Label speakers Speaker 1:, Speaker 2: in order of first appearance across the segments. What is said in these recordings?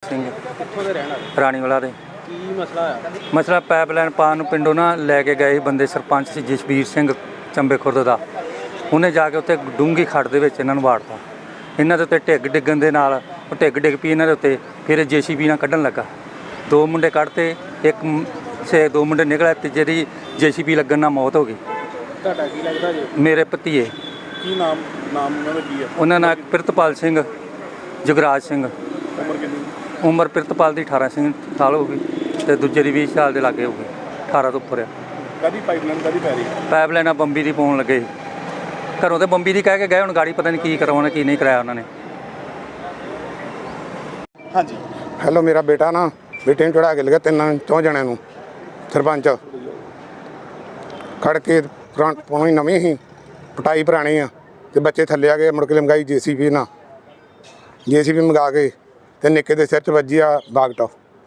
Speaker 1: ਸਿੰਘ
Speaker 2: ਕਿੱਥੋਂ ਦੇ ਰਹਿਣ ਵਾਲੇ?
Speaker 1: ਰਾਣੀਵਾਲਾ ਦੇ।
Speaker 2: ਕੀ ਮਸਲਾ ਹੋਇਆ?
Speaker 1: ਮਸਲਾ ਪਾਈਪਲਾਈਨ ਪਾਉਣ ਨੂੰ ਪਿੰਡੋਂ ਨਾ ਲੈ ਕੇ ਗਏ ਬੰਦੇ, ਸਰਪੰਚ ਸੀ ਜਸਵੀਰ ਸਿੰਘ ਚੰਬੇ ਖੁਰਦ ਦਾ। ਉਹਨੇ ਜਾ ਕੇ ਉੱਥੇ ਡੂੰਘੀ ਖੱਡ ਦੇ ਵਿੱਚ ਇਹਨਾਂ ਨੂੰ ਵਾੜਤਾ। ਇਹਨਾਂ ਦੇ ਉੱਤੇ ਢਿੱਗ ਡਿੱਗਣ ਦੇ ਨਾਲ ਉਹ ਢਿੱਗ ਡਿੱਗ ਪਈ ਇਹਨਾਂ ਦੇ ਉੱਤੇ। ਫਿਰ JCB ਨਾਲ ਕੱਢਣ ਲੱਗਾ। 2 ਮੁੰਡੇ ਕੱਢਤੇ, ਦੋ ਮੁੰਡੇ ਨਿਕਲੇ ਤੇ ਜਿਹੜੀ JCB ਲੱਗਣ ਨਾਲ ਮੌਤ ਹੋ ਗਈ।
Speaker 2: ਤੁਹਾਡਾ ਕੀ ਲੱਗਦਾ ਜੀ?
Speaker 1: ਮੇਰੇ ਭਤੀਏ।
Speaker 2: ਕੀ ਨਾਮ ਉਹਨਾਂ ਦਾ ਕੀ ਹੈ?
Speaker 1: ਉਹਨਾਂ ਨਾਲ ਪ੍ਰਿਤਪਾਲ ਸਿੰਘ, ਜਗਰਾਜ ਸਿੰਘ।
Speaker 2: ਉਮਰ ਕਿੰਨੀ?
Speaker 1: ਉਮਰ ਪ੍ਰਿਤਪਾਲ ਦੀ 18 ਸਾਲ ਹੋ ਗਈ ਤੇ ਦੂਜੇ ਦੀ 20 ਸਾਲ ਦੇ ਲਾਗੇ ਹੋ ਗਈ। 18 ਤੋਂ ਉੱਪਰ ਆ।
Speaker 2: ਕਾਹਦੀ ਪਾਈਪਲਾਈਨ ਕਾਹਦੀ ਪੈ ਰਹੀ?
Speaker 1: ਪਾਈਪਲਾਈਨਾਂ ਬੰਬੀ ਦੀ ਪਾਉਣ ਲੱਗੇ। ਘਰੋਂ ਤੇ ਬੰਬੀ ਦੀ ਕਹਿ ਕੇ ਗਏ, ਹੁਣ ਗਾੜੀ ਪਤਾ ਨਹੀਂ ਕੀ ਕਰਵਾਉਣਾ ਕੀ ਨਹੀਂ ਕਰਾਇਆ ਉਹਨਾਂ ਨੇ।
Speaker 2: ਹਾਂਜੀ
Speaker 3: ਹੈਲੋ, ਮੇਰਾ ਬੇਟਾ ਨਾ ਬੇਟੇ ਨੂੰ ਚੜਾ ਕੇ ਲਗਾ 3 ਜਣਿਆਂ ਨੂੰ। ਸਰਪੰਚ ਖੜ ਕੇ ਪੁਰਾਣੀ ਨਵੀਂ ਸੀ, ਪਟਾਈ ਪੁਰਾਣੀ ਆ ਤੇ ਬੱਚੇ ਥੱਲੇ ਆ ਗਏ। ਮੁੜ ਕੇ ਲੰਗਾਈ JCB ਨਾਲ, JCB ਮੰਗਾ ਕੇ ਤੇ ਨਿੱਕੇ ਦੇ ਸਿਰ 'ਚ ਵੱਜੀ ਆ ਬਾਗਟਾ।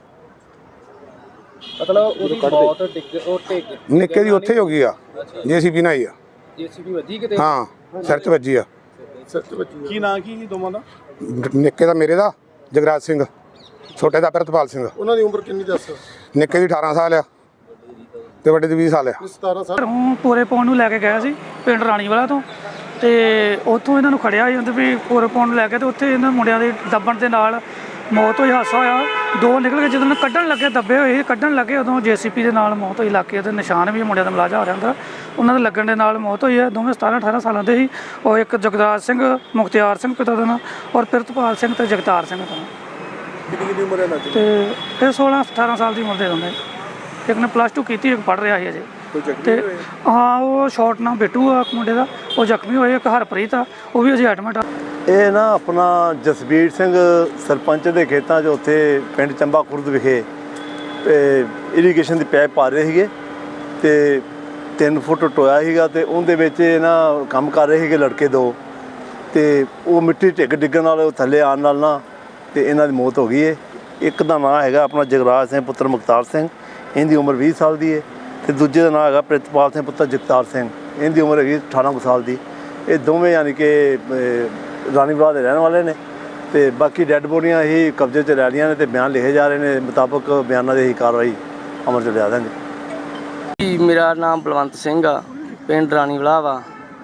Speaker 2: ਮਤਲਬ ਉਹਦੀ ਬਹੁਤ ਟਿਕ
Speaker 3: ਨਿੱਕੇ ਦੀ ਉੱਥੇ ਹੋ ਗਈ ਆ, JCB ਨਾਲ ਹੀ ਆ।
Speaker 2: JCB ਵੱਜੀ ਕਿਤੇ?
Speaker 3: ਹਾਂ, ਸਿਰ 'ਚ ਵੱਜੀ ਆ।
Speaker 2: ਕੀ ਨਾਂ ਕੀ ਦੋਵਾਂ ਦਾ?
Speaker 3: ਨਿੱਕੇ ਦਾ ਮੇਰੇ ਦਾ ਜਗਰਾਜ ਸਿੰਘ, ਛੋਟੇ ਦਾ ਪ੍ਰਿਤਪਾਲ ਸਿੰਘ।
Speaker 2: ਉਹਨਾਂ ਦੀ ਉਮਰ ਕਿੰਨੀ ਦੱਸ?
Speaker 3: ਨਿੱਕੇ ਦੀ 18 ਸਾਲ ਆ ਤੇ ਵੱਡੇ ਦੀ 20 ਸਾਲ ਆ।
Speaker 2: 17 ਸਾਲ।
Speaker 4: ਘਰੋਂ ਪੂਰੇ ਪਾਉਣ ਨੂੰ ਲੈ ਕੇ ਗਿਆ ਸੀ ਪਿੰਡ ਰਾਣੀਵਾਲਾ ਤੋਂ, ਤੇ ਉੱਥੋਂ ਇਹਨਾਂ ਨੂੰ ਖੜਿਆ ਸੀ ਵੀ ਪੂਰੇ ਪਾਉਣ ਨੂੰ ਲੈ ਕੇ, ਤੇ ਉੱਥੇ ਇਹਨਾਂ ਮੁੰਡਿਆਂ ਦੇ ਦੱਬਣ ਦੇ ਨਾਲ ਮੌਤ ਹੋਈ। ਹਾਦਸਾ ਹੋਇਆ, 2 ਨਿਕਲ ਕੇ ਜਦੋਂ ਕੱਢਣ ਲੱਗੇ, ਦੱਬੇ ਹੋਏ ਸੀ, ਕੱਢਣ ਲੱਗੇ ਉਦੋਂ JCB ਦੇ ਨਾਲ ਮੌਤ ਹੋਈ। ਇਲਾਕੇ ਦੇ ਨਿਸ਼ਾਨ ਵੀ ਮੁੰਡਿਆਂ ਦਾ ਮਲਾਜਾ ਹੋ ਰਿਹਾ ਅੰਦਰ, ਉਹਨਾਂ ਦੇ ਲੱਗਣ ਦੇ ਨਾਲ ਮੌਤ ਹੋਈ ਹੈ। ਦੋਵੇਂ 17-18 ਸਾਲਾਂ ਦੇ ਸੀ। ਉਹ ਇੱਕ ਜਗਰਾਜ ਸਿੰਘ, ਮੁਖਤਿਆਰ ਸਿੰਘ ਪਿਤਾ ਦਾ ਨਾਂ, ਔਰ ਪ੍ਰਿਤਪਾਲ ਸਿੰਘ ਤੇ ਜਗਤਾਰ ਸਿੰਘ ਦਾ ਨਾਂ।
Speaker 2: ਕਿੰਨੀ ਉਮਰ ਹੈ ਇਹਨਾਂ ਦੀ?
Speaker 4: ਤੇ ਇਹ 16-18 ਸਾਲ ਦੀ ਉਮਰ ਦੇ ਦੋਨੇ। ਇੱਕ ਨੇ +2 ਕੀਤੀ, ਇੱਕ ਪੜ੍ਹ ਰਿਹਾ ਸੀ ਅਜੇ। ਤੇ ਹਾਂ, ਉਹ ਸ਼ਾਰਟ ਨਾਲ ਬਿੱਟੂ ਆ ਮੁੰਡੇ ਦਾ, ਉਹ ਜ਼ਖਮੀ ਹੋਏ। ਇੱਕ ਹਰਪ੍ਰੀਤ ਆ, ਉਹ ਵੀ ਅਜੇ ਐਡਮਿਟ ਆ।
Speaker 5: ਇਹ ਨਾ ਆਪਣਾ ਜਸਬੀਰ ਸਿੰਘ ਸਰਪੰਚ ਦੇ ਖੇਤਾਂ 'ਚ ਉੱਥੇ ਪਿੰਡ ਚੰਬਾ ਖੁਰਦ ਵਿਖੇ ਇਰੀਗੇਸ਼ਨ ਦੀ ਪਾਈਪ ਪਾ ਰਹੇ ਸੀਗੇ ਤੇ 3 ਫੁੱਟ ਟੋਇਆ ਸੀਗਾ ਤੇ ਉਹਦੇ ਵਿੱਚ ਨਾ ਕੰਮ ਕਰ ਰਹੇ ਸੀਗੇ ਲੜਕੇ 2 ਤੇ ਉਹ ਮਿੱਟੀ ਢਿੱਗ ਡਿੱਗਣ ਨਾਲ ਥੱਲੇ ਆਉਣ ਨਾਲ ਨਾ ਤੇ ਇਹਨਾਂ ਦੀ ਮੌਤ ਹੋ ਗਈ ਹੈ। ਇੱਕ ਦਾ ਨਾਂ ਹੈਗਾ ਆਪਣਾ ਜਗਰਾਜ ਸਿੰਘ ਪੁੱਤਰ ਮੁਖਤਾਰ ਸਿੰਘ, ਇਹਦੀ ਉਮਰ 20 ਸਾਲ ਦੀ ਹੈ, ਤੇ ਦੂਜੇ ਦਾ ਨਾਂ ਹੈਗਾ ਪ੍ਰਿਤਪਾਲ ਸਿੰਘ ਪੁੱਤਰ ਜਗਤਾਰ ਸਿੰਘ, ਇਹਦੀ ਉਮਰ ਹੈਗੀ 18 ਸਾਲ ਦੀ। ਇਹ ਦੋਵੇਂ ਯਾਨੀ ਕਿ ਰਾਣੀਵਾਲਾ ਦੇ ਰਹਿਣ ਵਾਲੇ ਨੇ ਤੇ ਬਾਕੀ ਡੈੱਡ ਬੋਡੀਆਂ ਹੀ ਕਬਜ਼ੇ 'ਚ ਲੈ ਲਈਆਂ ਨੇ ਤੇ ਬਿਆਨ ਲਿਖੇ ਜਾ ਰਹੇ ਨੇ। ਮੁਤਾਬਕ ਬਿਆਨਾਂ ਦੀ ਹੀ ਕਾਰਵਾਈ ਅਮਲ 'ਚ ਲਿਆ ਦਾਂਗੇ।
Speaker 6: ਮੇਰਾ ਨਾਮ ਬਲਵੰਤ ਸਿੰਘ ਆ, ਪਿੰਡ ਰਾਣੀਵਾਲਾ ਵਾ।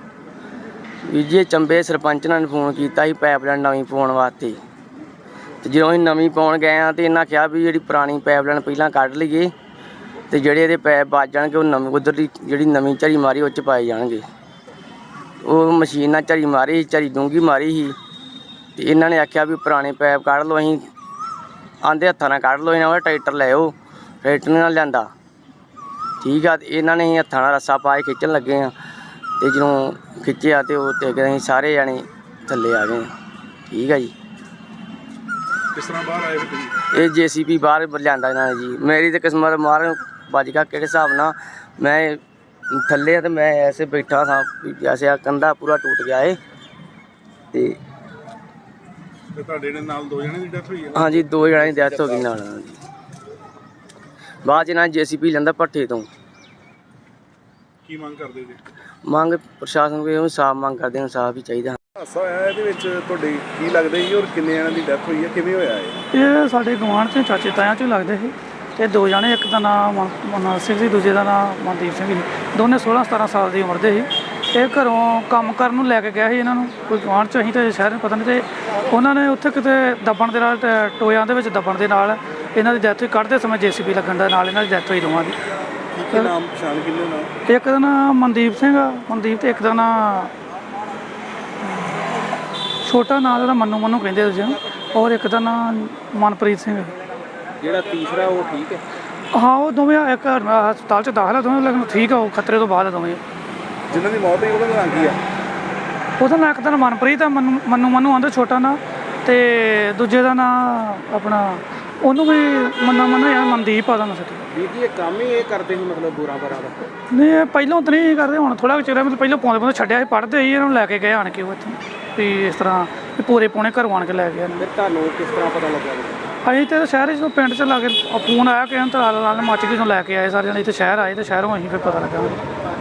Speaker 6: ਜੀ ਚੰਬੇ ਸਰਪੰਚ ਨੇ ਫੋਨ ਕੀਤਾ ਸੀ ਪਾਈਪਲਾਈਨ ਨਵੀਂ ਪਾਉਣ ਵਾਸਤੇ, ਤੇ ਜਦੋਂ ਅਸੀਂ ਨਵੀਂ ਪਾਉਣ ਗਏ ਆ ਤੇ ਇਹਨਾਂ ਕਿਹਾ ਵੀ ਜਿਹੜੀ ਪੁਰਾਣੀ ਪਾਈਪਲਾਈਨ ਪਹਿਲਾਂ ਕੱਢ ਲਈਏ ਤੇ ਜਿਹੜੇ ਇਹਦੇ ਪੈਪ ਵੱਜ ਜਾਣਗੇ ਉਹ ਨਵੀਂ ਉੱਧਰ ਦੀ ਜਿਹੜੀ ਨਵੀਂ ਝਰੀ ਮਾਰੀ ਉਹ 'ਚ ਪਾਏ ਜਾਣਗੇ। ਉਹ ਮਸ਼ੀਨ ਨਾਲ ਝਰੀ ਮਾਰੀ, ਝਰੀ ਡੂੰਘੀ ਮਾਰੀ ਸੀ ਤੇ ਇਹਨਾਂ ਨੇ ਆਖਿਆ ਵੀ ਪੁਰਾਣੇ ਪੈਪ ਕੱਢ ਲਓ। ਅਸੀਂ ਆਂਦੇ ਹੱਥਾਂ ਨਾਲ ਕੱਢ ਲਓ, ਇਹਨਾਂ ਦਾ ਟਰੈਕਟਰ ਲੈ ਆਓ। ਟਰੈਕਟਰ ਨਾਲ ਲਿਆਂਦਾ, ਠੀਕ ਆ। ਤੇ ਇਹਨਾਂ ਨੇ ਅਸੀਂ ਹੱਥਾਂ ਨਾਲ ਰੱਸਾ ਪਾ ਕੇ ਖਿੱਚਣ ਲੱਗੇ ਆ ਤੇ ਜਦੋਂ ਖਿੱਚਿਆ ਤੇ ਉਹ ਤੇ ਅਸੀਂ ਸਾਰੇ ਜਾਣੇ ਥੱਲੇ ਆ ਗਏ। ਠੀਕ ਆ ਜੀ।
Speaker 2: ਕਿਸ ਤਰ੍ਹਾਂ ਬਾਹਰ ਆਏ ਤੁਸੀਂ?
Speaker 6: ਇਹ JCB ਬਾਹਰ ਲਿਆਂਦਾ ਇਹਨਾਂ ਨੇ ਜੀ। ਮੇਰੀ ਤਾਂ ਕਿਸਮਤ ਮਾਰ ਵੱਜ ਗਿਆ ਕਿਹੜੇ ਹਿਸਾਬ ਨਾਲ। ਮੈਂ ਥੱਲੇ ਆ ਤੇ ਮੈਂ ਐਸੇ ਬੈਠਾ ਸਾਂ ਜੈਸੇ ਆ ਕੰਧਾ ਪੂਰਾ ਟੁੱਟ ਗਿਆ ਏ। ਤੇ
Speaker 2: ਤੁਹਾਡੇ ਨਾਲ 2 ਜਣੇ ਦੀ ਡੈਥ ਹੋਈ ਹੈ?
Speaker 6: ਹਾਂਜੀ, 2 ਜਣਿਆਂ ਦੀ ਡੈਥ ਹੋ ਗਈ ਨਾਲ ਜੀ। ਬਾਅਦ 'ਚ ਇਹਨਾਂ JCB ਲੈਂਦਾ ਭੱਠੇ ਤੋਂ।
Speaker 2: ਕੀ ਮੰਗ ਕਰਦੇ ਜੀ?
Speaker 6: ਮੰਗ ਪ੍ਰਸ਼ਾਸਨ ਕੋਲ ਇਨਸਾਫ ਮੰਗ ਕਰਦੇ, ਇਨਸਾਫ ਹੀ ਚਾਹੀਦਾ।
Speaker 2: ਹਾਦਸਾ ਹੋਇਆ ਇਹਦੇ ਵਿੱਚ ਤੁਹਾਡੇ ਕੀ ਲੱਗਦਾ ਜੀ, ਔਰ ਕਿੰਨੇ ਜਣਿਆਂ ਦੀ ਡੈਥ ਹੋਈ ਹੈ, ਕਿਵੇਂ ਹੋਇਆ ਇਹ?
Speaker 4: ਇਹ ਸਾਡੇ ਗੁਆਂਢ 'ਚ ਚਾਚੇ ਤਾਇਆਂ 'ਚ ਲੱਗਦੇ ਸੀ। ਤੇ 2 ਜਣੇ, ਇੱਕ ਦਾ ਨਾਮ ਮਨੋਜ ਸਿੰਘ ਸੀ, ਦੂਜੇ ਦਾ ਨਾਮ ਮਨਦੀਪ ਸਿੰਘ ਸੀ। ਦੋਨੇ 16-17 ਸਾਲ ਦੀ ਉਮਰ ਦੇ ਸੀ। ਇਹ ਘਰੋਂ ਕੰਮ ਕਰਨ ਨੂੰ ਲੈ ਕੇ ਗਿਆ ਸੀ ਇਹਨਾਂ ਨੂੰ ਕੋਈ ਗੁਆਂਢ 'ਚ। ਅਸੀਂ ਤਾਂ ਸ਼ਹਿਰ ਨੂੰ ਪਤਾ ਨਹੀਂ, ਤੇ ਉਹਨਾਂ ਨੇ ਉੱਥੇ ਕਿਤੇ ਦੱਬਣ ਦੇ ਨਾਲ, ਟੋਇਆਂ ਦੇ ਵਿੱਚ ਦੱਬਣ ਦੇ ਨਾਲ ਇਹਨਾਂ ਦੀ ਡੈਥ ਹੋਈ। ਕੱਢਦੇ ਸਮੇਂ JCB ਲੱਗਣ ਦੇ ਨਾਲ ਇਹਨਾਂ ਦੀ ਡੈਥ ਹੋਈ ਦੋਵਾਂ ਦੀ।
Speaker 2: ਕੀ ਨਾਮ ਪਛਾਣ ਕਿੰਨੇ ਨਾਮ?
Speaker 4: ਇੱਕ ਦਾ ਨਾਮ ਮਨਦੀਪ ਸਿੰਘ ਆ, ਮਨਦੀਪ, ਤੇ ਇੱਕ ਦਾ ਨਾਮ ਛੋਟਾ ਨਾਂ ਉਹਦਾ ਮੰਨੂ ਕਹਿੰਦੇ ਤੁਸੀਂ, ਔਰ ਇੱਕ ਦਾ ਨਾਮ ਮਨਪ੍ਰੀਤ ਸਿੰਘ।
Speaker 2: ਜਿਹੜਾ ਤੀਸਰਾ ਉਹ ਠੀਕ ਹੈ?
Speaker 4: ਹਾਂ, ਉਹ ਦੋਵੇਂ ਇੱਕ ਹਸਪਤਾਲ 'ਚ ਦਾਖਲ ਆ ਦੋਵੇਂ, ਲੇਕਿਨ ਠੀਕ ਆ, ਉਹ ਖਤਰੇ ਤੋਂ ਬਾਅਦ ਆ ਦੋਵੇਂ।
Speaker 2: ਜਿਨ੍ਹਾਂ ਦੀ ਮੌਤ ਹੋਈ ਉਹਦਾ ਨਾਂ ਕੀ ਆ?
Speaker 4: ਉਹਦਾ ਨਾਂ ਇੱਕ ਦਾ ਮਨਪ੍ਰੀਤ ਆ, ਮੰਨੂ ਆਂਦੇ ਛੋਟਾ ਨਾਂ, ਤੇ ਦੂਜੇ ਦਾ ਨਾਂ ਆਪਣਾ ਉਹਨੂੰ ਵੀ ਮੰਨਾ ਯਾਰ ਮਨਦੀਪ ਆ ਦਾ ਨਾਂ।
Speaker 2: ਵੀਰ ਜੀ ਇਹ ਕੰਮ ਹੀ ਇਹ ਕਰਦੇ ਸੀ ਮਤਲਬ ਬੁਰਾ ਦਾ?
Speaker 4: ਨਹੀਂ, ਇਹ ਪਹਿਲਾਂ ਤਾਂ ਨਹੀਂ ਕਰਦੇ, ਹੁਣ ਥੋੜ੍ਹਾ ਚਿਰ ਮਤਲਬ ਪਹਿਲਾਂ ਪਾਉਂਦੇ ਛੱਡਿਆ ਸੀ, ਪੜ੍ਹਦੇ ਸੀ, ਇਹਨਾਂ ਨੂੰ ਲੈ ਕੇ ਗਏ ਆਣ ਕੇ ਉਹ ਇੱਥੋਂ ਵੀ ਇਸ ਤਰ੍ਹਾਂ ਵੀ ਪੂਰੇ ਪੌਣੇ ਘਰੋਂ ਆਣ ਕੇ ਲੈ ਗਏ।
Speaker 2: ਫਿਰ ਤੁਹਾਨੂੰ ਕਿਸ ਤਰ੍ਹਾਂ ਪਤਾ ਲੱਗਿਆ?
Speaker 4: ਅਸੀਂ ਤਾਂ ਸ਼ਹਿਰ ਜਦੋਂ ਪਿੰਡ 'ਚ ਲਾ ਕੇ ਫੋਨ ਆਇਆ ਕਿ ਤਾਂ ਲਾਲ ਮੱਚ ਗਈ, ਲੈ ਕੇ ਆਏ ਸਾਰੇ ਜਣੇ ਇੱਥੇ ਸ਼ਹਿਰ ਆਏ, ਤੇ ਸ਼ਹਿਰੋਂ ਅਸੀਂ ਫਿਰ ਪਤਾ ਲੱਗਾ।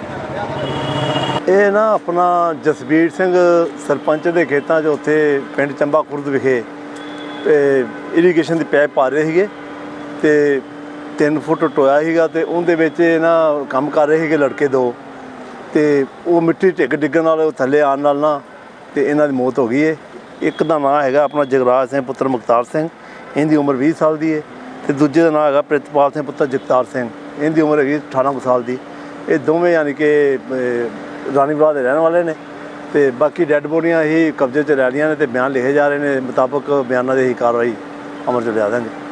Speaker 5: ਇਹ ਨਾ ਆਪਣਾ ਜਸਬੀਰ ਸਿੰਘ ਸਰਪੰਚ ਦੇ ਖੇਤਾਂ 'ਚ ਉੱਥੇ ਪਿੰਡ ਚੰਬਾ ਖੁਰਦ ਵਿਖੇ ਇਰੀਗੇਸ਼ਨ ਦੀ ਪਾਈਪ ਪਾ ਰਹੇ ਸੀਗੇ ਤੇ 3 ਫੁੱਟ ਟੋਇਆ ਸੀਗਾ ਤੇ ਉਹਦੇ ਵਿੱਚ ਨਾ ਕੰਮ ਕਰ ਰਹੇ ਸੀਗੇ ਲੜਕੇ ਦੋ ਤੇ ਉਹ ਮਿੱਟੀ ਡਿੱਗਣ ਨਾਲ ਉਹ ਥੱਲੇ ਆਉਣ ਨਾਲ ਨਾ ਤੇ ਇਹਨਾਂ ਦੀ ਮੌਤ ਹੋ ਗਈ ਹੈ। ਇੱਕ ਦਾ ਨਾਂ ਹੈਗਾ ਆਪਣਾ ਜਗਰਾਜ ਸਿੰਘ ਪੁੱਤਰ ਮੁਖਤਾਰ ਸਿੰਘ, ਇਹਦੀ ਉਮਰ 20 ਸਾਲ ਦੀ ਹੈ ਤੇ ਦੂਜੇ ਦਾ ਨਾਂ ਹੈਗਾ ਪ੍ਰਿਤਪਾਲ ਸਿੰਘ ਪੁੱਤਰ ਜਗਤਾਰ ਸਿੰਘ, ਇਹਦੀ ਉਮਰ ਹੈਗੀ 18 ਕੁ ਸਾਲ ਦੀ। ਇਹ ਦੋਵੇਂ ਯਾਨੀ ਕਿ ਰਾਣੀਵਾਲਾ ਦੇ ਰਹਿਣ ਵਾਲੇ ਨੇ ਤੇ ਬਾਕੀ ਡੈੱਡ ਬੋਡੀਆਂ ਹੀ ਕਬਜ਼ੇ 'ਚ ਲੈ ਰਹੀਆਂ ਨੇ ਤੇ ਬਿਆਨ ਲਿਖੇ ਜਾ ਰਹੇ ਨੇ, ਮੁਤਾਬਕ ਬਿਆਨਾਂ ਦੀ ਹੀ ਕਾਰਵਾਈ ਅਮਲ 'ਚ ਲਿਆ ਦਾਂਗੇ।